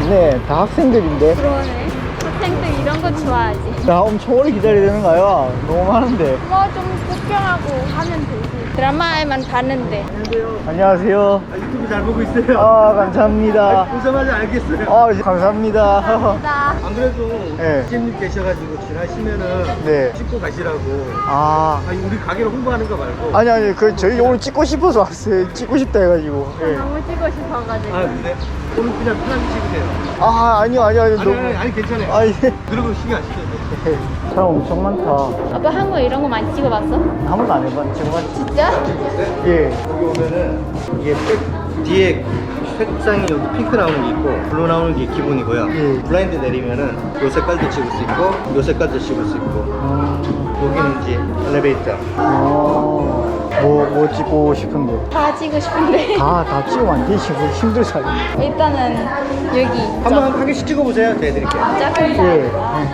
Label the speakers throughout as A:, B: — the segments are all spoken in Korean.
A: 없네. 다 학생들인데.
B: 그러네. 학생들 이런 거 좋아하지.
A: 나 엄청 오래 기다려야 되는 거야. 너무 많은데.
B: 뭐 좀 구경하고 하면 되지. 드라마에만 봤는데.
A: 안녕하세요.
C: 유튜브 잘 보고 있어요.
A: 아, 감사합니다.
C: 보자마자 알겠어요.
A: 아, 감사합니다.
B: 감사합니다.
C: 안 그래도
A: 네.
C: 님 계셔가지고 지나시면은
A: 네.
C: 찍고 가시라고.
A: 아.
C: 아니 우리 가게를 홍보하는 거 말고.
A: 아니, 저희 오늘 찍고 싶어서 왔어요. 찍고 싶다 해가지고. 예.
B: 너무 찍고 싶어가지고.
C: 아 근데 오늘 그냥 편하게 찍으세요.
A: 아, 아니요.
C: 아니 괜찮아요.
A: 아, 예.
C: 그러고 신경 안 쓰셔도 돼요.
A: 사람 엄청 많다.
B: 아빠 한국 이런 거 많이 찍어봤어?
A: 한 번도 안 해봤, 찍어봤지.
B: 진짜?
A: 예.
C: 여기 오면은 이게 뒤에 색상이 여기 핑크 나오는 게 있고 블루 나오는 게 기본이고요.
A: 예.
C: 블라인드 내리면은 요 색깔도 찍을 수 있고 요 색깔도 찍을 수 있고 여기는 이제 엘리베이터.
A: 뭐 찍고 싶은데?
B: 다 찍고 싶은데.
A: 다 찍으면 안 되지. 힘들잖아.
B: 일단은 여기.
C: 한번 한 개씩 찍어보세요. 네, 드릴게요.
B: 작은
A: 예.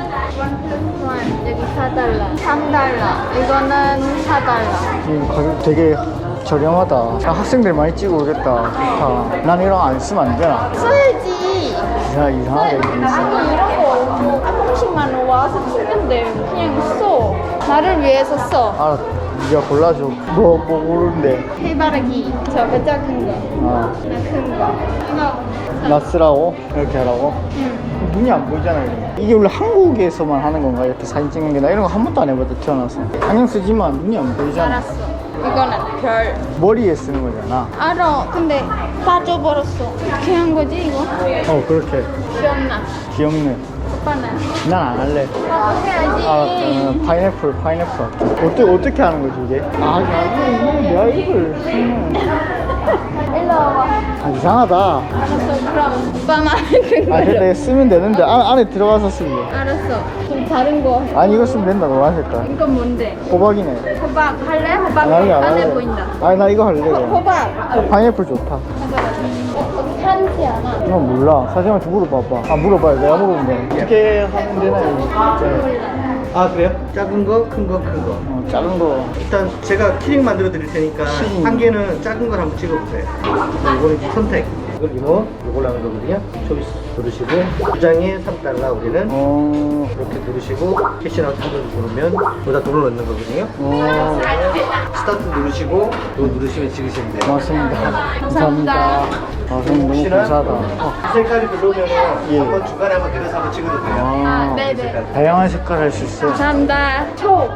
B: 여기 4달러, 3달러, 이거는 4달러.
A: 이 가격 되게 저렴하다. 학생들 많이 찍어 오겠다. 좋다. 난 이런 거 안 쓰면 안 되나?
B: 써야지.
A: 야, 이상하다. 이게.
B: 아니 이런 거 한 번씩만 와서 쓰면 돼. 그냥 써. 나를 위해서 써.
A: 알았. 네가 골라줘. 뭐 고르는데?
B: 해바라기. 저거 작은 거.
A: 아,
B: 나 큰 거. 이거.
A: 나 쓰라고? 이렇게 하라고?
B: 응.
A: 눈이 안 보이잖아. 이게 원래 한국에서만 하는 건가? 이렇게 사진 찍는 게. 나 이런 거 한 번도 안 해봤다, 태어나서. 안경 쓰지만 눈이 안 보이잖아.
B: 알았어. 이거는 별.
A: 머리에 쓰는 거잖아.
B: 알아. 근데 빠져버렸어. 어떻게 한 거지 이거?
A: 그렇게.
B: 기억나.
A: 귀엽네.
B: 오빠는?
A: 난 안 할래.
B: 나도 해야지.
A: 파인애플. 어떻게 하는 거지, 이게? 이거 내가 이걸 쓰면.
B: 일로 와봐.
A: 이상하다.
B: 알았어. 그럼 오빠만 큰 걸로.
A: 근데 쓰면 되는데, 안에 들어가서 쓰면 돼.
B: 알았어. 좀 다른 거.
A: 아니, 이거 쓰면 된다, 노란 색깔.
B: 이건 뭔데?
A: 호박이네.
B: 호박 할래? 호박
A: 안 할래, 안
B: 안에
A: 할래.
B: 보인다.
A: 아니, 나 이거 할래. 그냥.
B: 호박.
A: 파인애플 좋다.
B: 한지 않아.
A: 이건 몰라. 사장님한테 물어봐봐. 물어봐요. 내가 물어보면 돼. 어떻게 하면 되나요?
C: 아 그래요? 작은 거, 큰 거, 큰 거.
A: 작은 거.
C: 일단 제가 키링 만들어 드릴 테니까 한 개는 작은 걸 한번 찍어보세요. 이거는 이제 선택. 이걸 이걸로 하는 거거든요. 초이스 누르시고 2장에 3달러 우리는 이렇게 누르시고 캐시나우 탑을 누르면 여기다 돈을 넣는 거거든요. 스타트 누르시고 이거 누르시면 찍으시면 돼요.
A: 고맙습니다. 감사합니다. 선생님 너무 감사하다.
C: 이 색깔이 별로면
A: 예.
C: 한번 중간에 한번 내려서 한번 찍어도 돼요.
B: 네네.
A: 다양한 색깔 할 수 있어.
B: 감사합니다.
A: 초.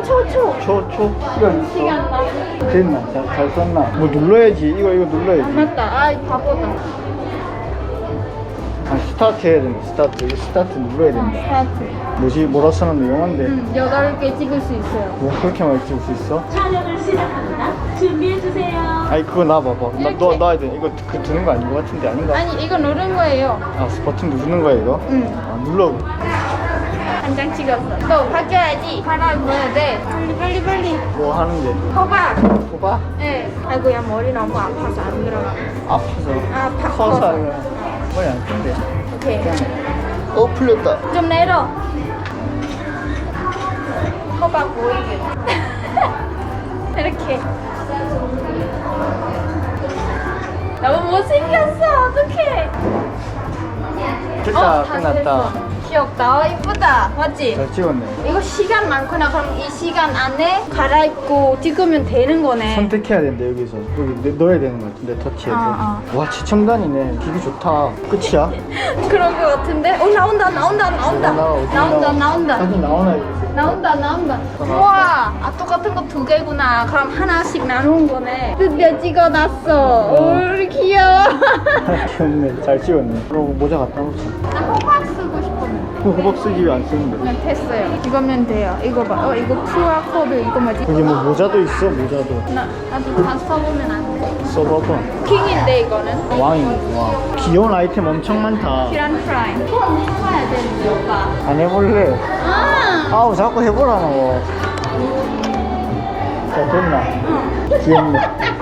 A: 이거
B: 시간 나.
A: 됐나? 잘 썼나? 뭐 눌러야지. 이거 눌러야지.
B: 맞다. 아, 바보다.
A: 스타트 해야 된다. 스타트 눌러야 된다.
B: 스타트.
A: 뭐라 쓰는데 영어인데.
B: 8개 찍을 수 있어요.
A: 뭐 그렇게 많이 찍을 수 있어?
D: 촬영을 시작합니다. 준비해주세요.
A: 아니 그거 놔봐봐. 너 놔야 돼. 이거 드는 거 아닌 것 같은데 아닌가?
B: 아니, 이거 누른 거예요.
A: 버튼 누르는 거야 이거?
B: 응.
A: 눌러.
B: 한 장 찍었어. 또 바뀌어야지. 바람 넣어야 돼. 빨리.
A: 뭐 하는데?
B: 호박.
A: 호박?
B: 네. 아이고야, 머리 너무 아파서 안 들어가.
A: 아파서.
B: 커서.
A: 커서 머리 안 큰데.
B: 오케이.
A: 풀렸다.
B: 좀 내려. 호박 보이게. 이렇게. 너무 못생겼어. 어떡해.
A: 진짜
B: 다
A: 끝났다.
B: 됐어. 귀엽다. 이쁘다. 맞지?
A: 잘 찍었네.
B: 이거 시간 많구나. 그럼 이 시간 안에 갈아입고 찍으면 되는 거네.
A: 선택해야 된대 여기서. 여기 넣어야 되는 것 같은데 터치해서. 와 최첨단이네. 기기 좋다. 끝이야?
B: 그런 거 같은데? 나온다.
A: 사진 나오나 여기서.
B: 나온다. 우와, 똑같은 거 2개구나. 그럼 하나씩 나눈 거네. 드디어 찍어놨어. 오, 귀여워.
A: 귀엽네. 잘 찍었네. 그럼 모자 갖다 놓자.
B: 나 호박 쓰고 싶었는데.
A: 호박 쓰기 왜 안 쓰는데?
B: 그냥 됐어요. 이거면 돼요. 이거 봐. 이거 QR코드 이거 뭐지?
A: 여기 뭐 모자도 있어. 모자도.
B: 나도 다 써보면 안 돼.
A: 써봐봐.
B: 킹인데 이거는.
A: 와. 귀여운 아이템 엄청 많다.
B: 계란 프라이. 그건 해봐야 되는데 오빠.
A: 안 해볼래?
B: 아,
A: 자꾸 해보라고. 자, 됐나? 귀엽네.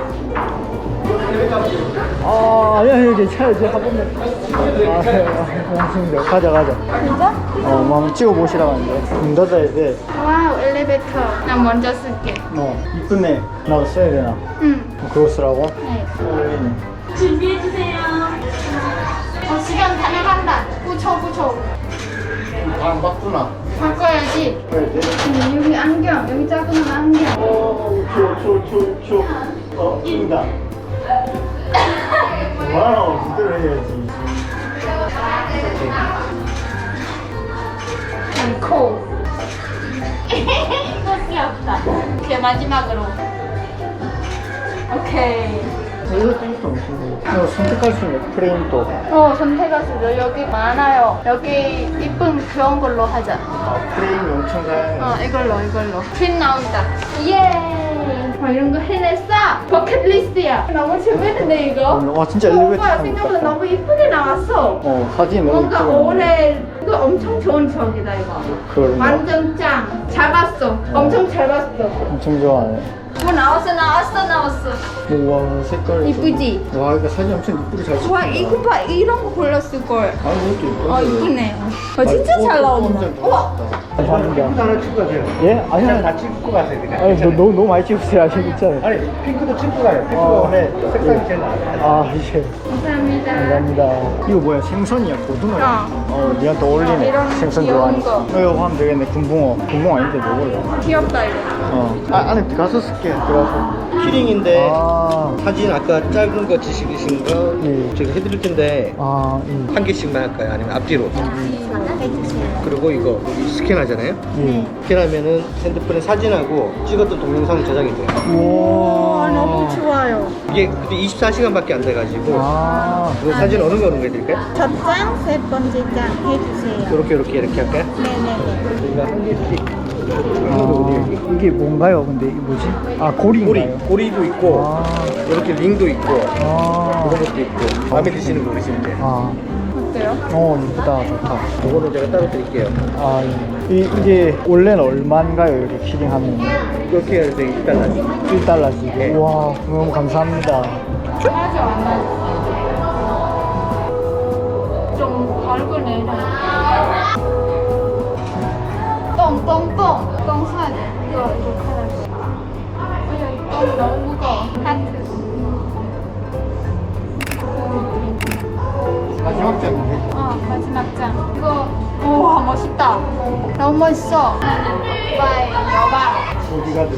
A: 아니야, 괜찮아. 이제 한 번만. 고맙습니다. 가자.
B: 진짜?
A: 뭐 한번 찍어보시라고 하는데. 문 닫아야 돼.
B: 와우, 엘리베이터. 나 먼저 쓸게.
A: 이쁘네. 나도 써야 되나?
B: 응.
A: 그거 쓰라고?
B: 네.
A: 어울리네.
D: 준비해주세요.
B: 시간 다 나간다. 붙여.
A: 안 바꾸나?
B: 바꿔야지.
A: 그래, 내
B: 여기 안경. 여기 작은 안경.
A: 초. 찐다. 와우, 그대로 해야지.
B: 코. 이거 귀엽다. 오케이, 마지막으로. 오케이.
A: 이것도 엄청 이거 선택할 수 있는 프레임도.
B: 선택할 수 있어. 여기 많아요. 여기 이쁜 그런 걸로 하자.
A: 프레임이 엄청 다양해.
B: 이걸로. 핀 나온다. 예! 이런 거 해냈어. 버킷리스트야. 너무 재밌는데, 이거?
A: 와, 진짜 엘리베이터
B: 오빠
A: 타고
B: 생각보다
A: 있다.
B: 너무 이쁘게 나왔어.
A: 사진 너무
B: 뭔가
A: 이쁘게
B: 올해 이거 엄청 좋은 추억이다, 이거.
A: 그런가?
B: 완전 짱. 잘 봤어. 엄청 잘 봤어.
A: 엄청 좋아하네.
B: 나왔어.
A: 와, 색깔이
B: 이쁘지?
A: 좀... 와, 이거 사진 엄청 이쁘게 잘 찍힌다.
B: 와, 이거 봐. 이런 거 골랐을걸.
A: 아, 이것도 이쁘네.
B: 이쁘네. 진짜 잘 나온다. 우와.
A: 감사합니다.
C: 하나 찍고 가세요.
A: 예? 아니,
C: 그냥 다 찍고 가세요. 그냥.
A: 아니, 너무 많이 찍으세요. 아직 있잖아요.
C: 아니 핑크도 찍고 가요. 핑크가
A: 어.
C: 원래 색상이 제일 나아요.
A: 이제.
B: 감사합니다.
A: 감사합니다. 이거 뭐야? 생선이야? 고등어야? 니가 더 어울리네.
B: 이런
A: 생선
B: 귀여운
A: 좋아하니까.
B: 거.
A: 이거 하면 되겠네. 군붕어. 군붕어 아닌데 뭐걸로?
B: 귀엽다, 이거.
A: 안에 들어가서 쓸게. 들어가서.
C: 키링인데
A: 아,
C: 사진 아까 짧은 거 지식이신 거
A: 예.
C: 제가 해드릴 텐데 한 개씩만 할까요? 아니면 앞뒤로? 그리고 이거 여기 스캔하잖아요.
A: 예.
C: 스캔하면은 핸드폰에 사진하고 찍었던 동영상이 저장이 돼요.
A: 우와.
B: 너무 좋아요.
C: 이게 근데 24시간밖에 안 돼가지고
A: 아.
C: 이 사진 어느 거 해드릴까요?
E: 첫 장, 세 번째 장 해주세요.
C: 이렇게 할까요?
E: 네네네.
C: 저희가 한 개씩
A: 이게 뭔가요? 근데 이게 뭐지? 고리인가요?
C: 고리도 있고 이렇게 링도 있고
A: 아.
C: 이런 것도 있고 마음에 드시는 거 고르시면 돼요.
B: 어때요?
A: 이쁘다. 좋다.
C: 이거는 제가 따로 드릴게요.
A: 이게 원래는 얼마인가요? 이렇게 키링하면
C: 이렇게 해서 1달러.
A: 1달러씩.
C: 네.
A: 우와, 너무 감사합니다.
B: 맞아, 안 맞아. 좀 걸그네. 똥 사야 돼. 이거 하나씩. 똥 너무 무거워. 하트.
A: 마지막 장인데?
B: 마지막 장. 이거, 우와, 멋있다. 너무 멋있어. 바이, 여봐.
A: 어디가든.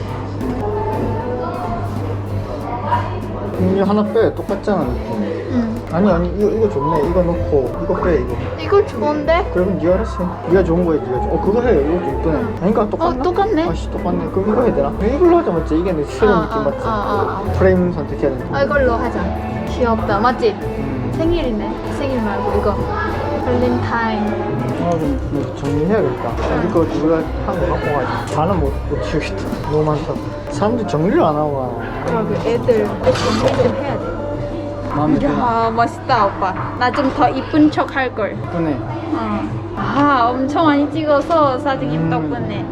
A: 이거 하나 빼. 똑같잖아, 느낌. 아니, 이거 좋네. 이거 넣고, 이거 빼, 이거.
B: 이거 좋은데?
A: 그러면 네가 알았어. 네가 좋은 거야, 네가 좋은 그거 해. 이것도 이쁘네. 아닌가? 똑같나?
B: 똑같네.
A: 아씨, 똑같네. 그럼 이거 해야 되나? 이걸로 하자, 맞지? 이게 내 새로운 느낌 맞지? 프레임 선택해야 되는데.
B: 이걸로 하자. 귀엽다. 맞지? 생일이네. 생일 말고 이거. 발렌타인.
A: 좀 정리해야겠다. 이거 우리가 한 거 갖고 가야지. 다는 못 치우겠다. 너무 많다고. 사람들이 정리를 안 하고 가.
B: 애들 정리 좀 해야 돼.
A: 마음에 드나?
B: 야, 멋있다, 오빠. 나 좀 더 이쁜 척 할걸.
A: 이쁘네.
B: 엄청 많이 찍어서 사진 덕분에.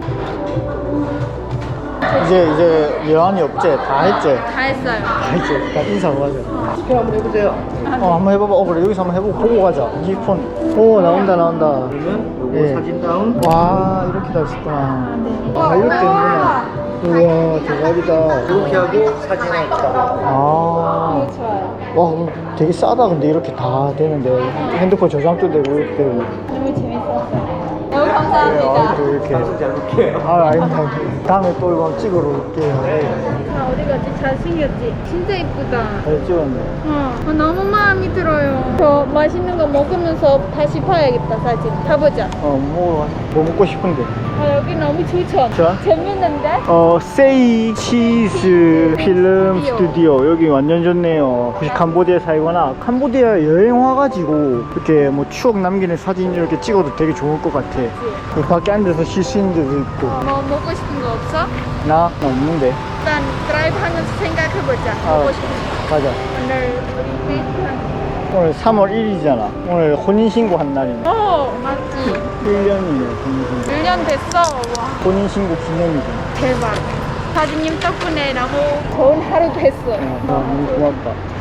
A: 이제 여한이 없지? 다 했지?
B: 다 했어요.
A: 다 했지? 다 인사하고 가자.
C: 스캔 한번 해보세요.
A: 한번 해봐봐. 그래. 여기서 한번 해보고 보고 가자. 이 폰. 나온다.
C: 그러면 요거
A: 예.
C: 사진 다운.
A: 와, 이렇게 다 있었구나. 이렇게
B: 우와.
A: 되는구나. 우와, 대박이다.
C: 이렇게 하고 사진 하나
B: 좋아요.
A: 와, 그럼 되게 싸다. 근데 이렇게 다 되는데. 핸드폰 저장도 되고, 이렇게 되고.
B: 너무 재밌었어요. 너무 감사합니다.
A: 또 이렇게.
C: 잘 볼게요.
A: 아닙니다. 다음에 또 이거 찍으러 올게요.
B: 어디 갔지? 잘생겼지? 진짜 이쁘다.
A: 잘 찍었네.
B: 너무 마음이 들어요. 저 맛있는 거 먹으면서 다시 봐야겠다, 사진. 가보자.
A: 뭐 먹고 싶은데.
B: 여기 너무 좋죠?
A: 좋아?
B: 재밌는데?
A: 세이 치즈 필름 스튜디오. 여기 완전 좋네요. 혹시 캄보디아 살거나 캄보디아 여행 와가지고 이렇게 뭐 추억 남기는 사진 이렇게 찍어도 되게 좋을 것 같아. 여기 밖에 앉아서 쉴 수 있는 데도 있고.
B: 뭐 먹고 싶은 거 없어?
A: 나 없는데.
B: 일단 드라이브 하면서 생각해보자. 먹고 싶은 거.
A: 가자.
B: 오늘 우리 데이트.
A: 오늘 3월 1일이잖아. 오늘 혼인신고 한 날이네.
B: 맞지?
A: 1년이네, 혼인신고.
B: 1년 됐어. 와,
A: 혼인신고 기념이잖아.
B: 대박. 사진님 덕분에 너무 좋은 하루 됐어.
A: 너무 고맙다.